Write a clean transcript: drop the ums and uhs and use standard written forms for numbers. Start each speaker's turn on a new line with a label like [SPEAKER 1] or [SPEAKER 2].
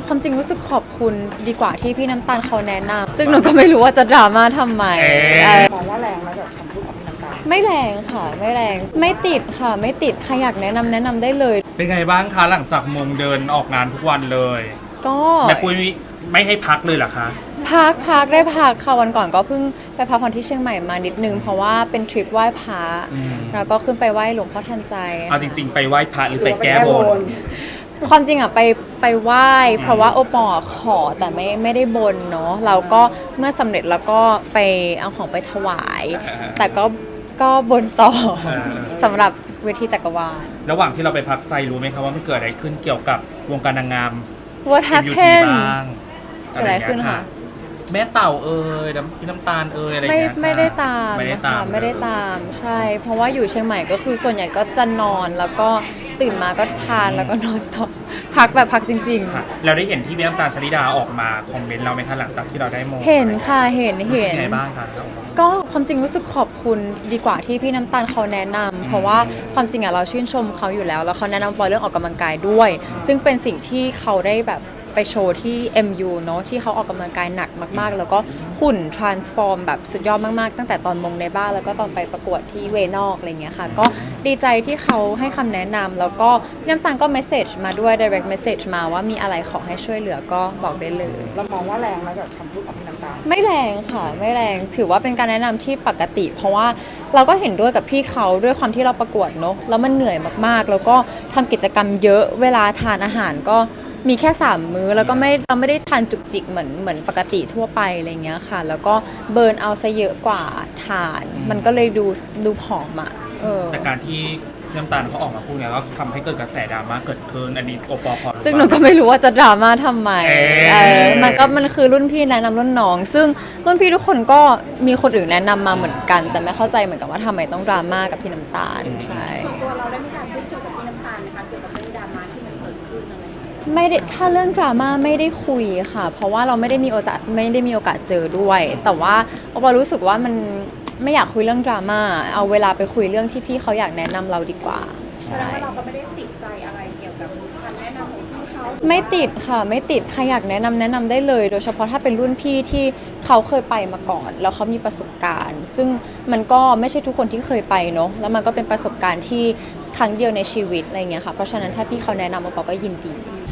[SPEAKER 1] ความจริงรู้สึกขอบคุณดีกว่าที่พี่น้ำตาลเขาแนะนำซึ่งหนูก็ไม่รู้ว่าจะดราม่าทำไม
[SPEAKER 2] มองว่าแรงแล้วแบบคำพูดของพี่น้ำตาล
[SPEAKER 1] ไม่แรงค่ะไม่แรงไม่ติดค่ะไม่ติดใครอยากแนะนำได้เลย
[SPEAKER 3] เป็นไงบ้างคะหลังจากมงเดินออกงานทุกวันเลย
[SPEAKER 1] ก็
[SPEAKER 3] แม่ปุ้ยไม่ให้พักเลยเหรอคะ
[SPEAKER 1] พักได้พักค่ะวันก่อนก็เพิ่งไปพักผ่อนที่เชียงใหม่มานิดนึงเพราะว่าเป็นทริปไหว้พระแล้วก็ขึ้นไปไหว้หลวงพ่อทันใจ
[SPEAKER 3] เอาจริงๆไปไหว้พระหรือไปแก้บน
[SPEAKER 1] ความจริงอ่ะไปไหว้เพราะว่าโอปอขอแต่ไม่ได้บนเนาะเราก็เมื่อสำเร็จแล้วก็ไปเอาของไปถวาย แต่ก็บนต่อสำหรับเวทีจักรวาล
[SPEAKER 3] ระหว่างที่เราไปพักใจรู้ไหมคะว่ามันเกิดอะไรขึ้นเกี่ยวกับวงการนางงาม
[SPEAKER 1] What happened
[SPEAKER 3] บ้าง
[SPEAKER 1] เกิดอะไรขึ้นคะ
[SPEAKER 3] แม่เต่าพี่น้ำตาลอะไรอย่างเงี้ยค่ะ
[SPEAKER 1] ไม่ได้ตาม
[SPEAKER 3] ไม่ได้
[SPEAKER 1] นะ
[SPEAKER 3] ตา
[SPEAKER 1] คะ
[SPEAKER 3] ม
[SPEAKER 1] ไม่ได้ตามใช่ เพราะว่าอยู่เชียงใหม่ก็คือส่วนใหญ่ก็จะนอนแล้วก็ตื่นมาก็ทานแล้วก็นอนต่อพักแบบพักจริง
[SPEAKER 3] ค่ะเราได้เห็นที่พี่น้ำตาลชลิดาออกมาคอมเมนต์เราไหมคะหลังจากที่เราได้มง
[SPEAKER 1] ๆ เห็นค่ะเห็น
[SPEAKER 3] รู้สึกไงบ้างคะ
[SPEAKER 1] ก็ความจริงรู้สึกขอบคุณดีกว่าที่พี่น้ำตาลเขาแนะนำเพราะว่าความจริงอะเราชื่นชมเขาอยู่แล้วแล้วเขาแนะนำปอยเรื่องออกกำลังกายด้วย ซึ่งเป็นสิ่งที่เขาได้แบบไปโชว์ที่ MU เนาะที่เขาออกกำลังกายหนักมากๆ แล้วก็หุ่น transform แบบสุดยอดมากๆ ตั้งแต่ตอนมงในบ้านแล้วก็ตอนไปประกวดที่เวนอกอะไรเงี้ยค่ะก็ดีใจที่เขาให้คำแนะนำแล้วก็พี่น้ำตาลก็ message มาด้วย direct message มาว่ามีอะไรขอให้ช่วยเหลือก็บอกได้เลย
[SPEAKER 2] เรามองว่าแรงแล้วแบบคำพูดของพี่น้ำตาล
[SPEAKER 1] ไม่แรงค่ะไม่แรงถือว่าเป็นการแนะนำที่ปกติ เพราะว่าเราก็เห็นด้วยกับพี่เขาด้วยความที่เราประกวดเนอะแล้วมันเหนื่อยมากๆ แล้วก็ทำกิจกรรมเยอะเวลาทานอาหารก็มีแค่3มื้อแล้วก็เราไม่ได้ทานจุกจิกเหมือนปกติทั่วไปอะไรเงี้ยค่ะแล้วก็เบิร์นเอาซะเยอะกว่าทานมันก็เลยดูผอมอ่ะ
[SPEAKER 3] แต่การที่พี่น้ำตาลเขาออกมาพูดเนี่ยก็ทำให้เกิดกระแสดราม่าเกิดขึ้นอันนี้โอปอขอรู้
[SPEAKER 1] ซึ่งหนูก็ไม่รู้ว่าจะดราม่าทำไมมันคือรุ่นพี่แนะนำรุ่นน้อง ซึ่งรุ่นพี่ทุกคนก็มีคนอื่นแนะนำมาเหมือนกัน แต่ไม่เข้าใจเหมือนกันว่าทำไมต้องดราม่ากับพี่น้ำตาลใช่
[SPEAKER 2] ตัวเราได้มีการพูดคุยกับพี่น้ำตาลนะคะเกี่ยวกับเรื่องดราม่าที่มันเกิดขึ้นอะไรอย่างเงี้ย
[SPEAKER 1] ไม่ได้ถ้าเรื่องดราม่าไม่ได้คุยค่ะ เพราะว่าเราไม่ได้มีโอกาสเจอด้วย แต่ว่าโอปอรู้สึกว่ามันไม่อยากคุยเรื่องดราม่าเอาเวลาไปคุยเรื่องที่พี่เขาอยากแนะนำเราดีกว่าใช่
[SPEAKER 2] เราก็ไม่ได้ติดใจอะไรเกี่ยวกับคำแนะนำของพี่เขา
[SPEAKER 1] ไม่ติดค่ะไม่ติดใครอยากแนะนำได้เลย โดยเฉพาะถ้าเป็นรุ่นพี่ที่เขาเคยไปมาก่อนแล้วเขามีประสบการณ์ ซึ่งมันก็ไม่ใช่ทุกคนที่เคยไปเนาะแล้วมันก็เป็นประสบการณ์ที่ครั้งเดียวในชีวิตอะไรเงี้ยค่ะเพราะฉะนั้นถ้าพี่เขาแนะนำโอปอก็ยินดี